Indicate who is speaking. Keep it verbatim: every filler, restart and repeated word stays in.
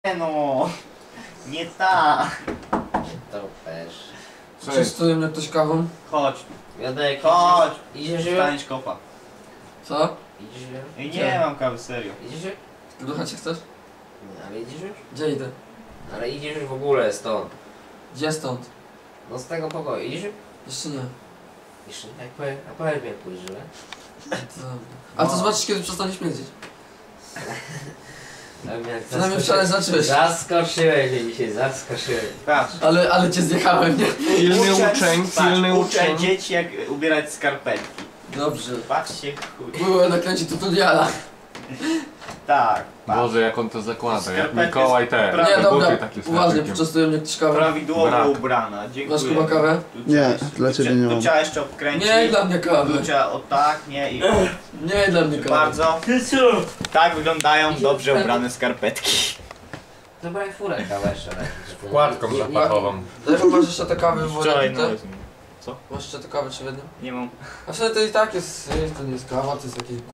Speaker 1: Nie no, nie ta.
Speaker 2: To też.
Speaker 3: Częstuje mnie ktoś kawą?
Speaker 1: Chodź,
Speaker 2: Jadek,
Speaker 1: chodź.
Speaker 2: idziesz już?
Speaker 1: Staniesz kopa.
Speaker 3: Co?
Speaker 2: Idziesz już?
Speaker 1: Ej,
Speaker 3: Gdzie?
Speaker 1: nie mam kawy, serio.
Speaker 2: Idziesz już?
Speaker 3: Ty do chacie chcesz?
Speaker 2: Nie, ale idziesz już?
Speaker 3: Gdzie idę?
Speaker 2: Ale idziesz już w ogóle stąd.
Speaker 3: Gdzie stąd?
Speaker 2: No z tego pokoju. Idziesz już?
Speaker 3: Jeszcze nie.
Speaker 2: Jeszcze nie. Jak powiem, a powiem jak pójdziesz, że?
Speaker 3: To... A to zobaczysz kiedy przestanie śmierdzieć. Przynajmniej
Speaker 2: Zaskoczy-
Speaker 3: wczoraj zacząłeś.
Speaker 2: Zaskoczyłeś mnie dzisiaj, zaskoczyłeś.
Speaker 1: Patrz.
Speaker 3: Ale, ale cię zjechałem, nie?
Speaker 4: Pilny
Speaker 1: Uczę-
Speaker 4: uczeń,
Speaker 1: patrz,
Speaker 4: pilny
Speaker 1: uczę
Speaker 4: uczeń.
Speaker 1: dzieci jak ubierać skarpetki.
Speaker 3: Dobrze.
Speaker 1: Patrzcie, chuj.
Speaker 3: Byłem na kręcie tutoriala.
Speaker 1: Tak, patrz.
Speaker 4: Boże, jak on to zakłada, jak
Speaker 1: Skarpety
Speaker 4: Mikołaj
Speaker 1: z-
Speaker 4: te
Speaker 1: Pra-
Speaker 3: Nie,
Speaker 4: te
Speaker 3: dobra,
Speaker 4: buty takie z
Speaker 3: uważnie,
Speaker 4: haczykiem.
Speaker 3: poczęstuje mnie ktoś kawą.
Speaker 1: Prawidłowo
Speaker 4: Brak.
Speaker 1: ubrana, dziękuję.
Speaker 3: Masz Kuba kawę?
Speaker 1: Tu
Speaker 5: Nie,
Speaker 1: trzeba-
Speaker 5: dla
Speaker 1: tu
Speaker 5: ciebie
Speaker 1: trzeba-
Speaker 5: nie
Speaker 1: Tu
Speaker 5: mam.
Speaker 1: trzeba jeszcze obkręcić.
Speaker 3: Nie dla mnie kawy.
Speaker 1: Tu trzeba o tak, nie i o.
Speaker 3: Nie dla mnie kawy.
Speaker 1: Bardzo. Tak wyglądają dobrze ubrane skarpetki.
Speaker 2: Zabraj furę kawę jeszcze. tak.
Speaker 4: Wkładką
Speaker 2: Nie- nie-
Speaker 4: zapachową.
Speaker 3: Dlaczego masz jeszcze te kawy w
Speaker 1: Wczoraj
Speaker 3: wodzie?
Speaker 1: nawet.
Speaker 3: Masz jeszcze te kawy czy w jednym?
Speaker 1: Nie mam.
Speaker 3: A wtedy to i tak jest, to nie jest kawa, to jest jakieś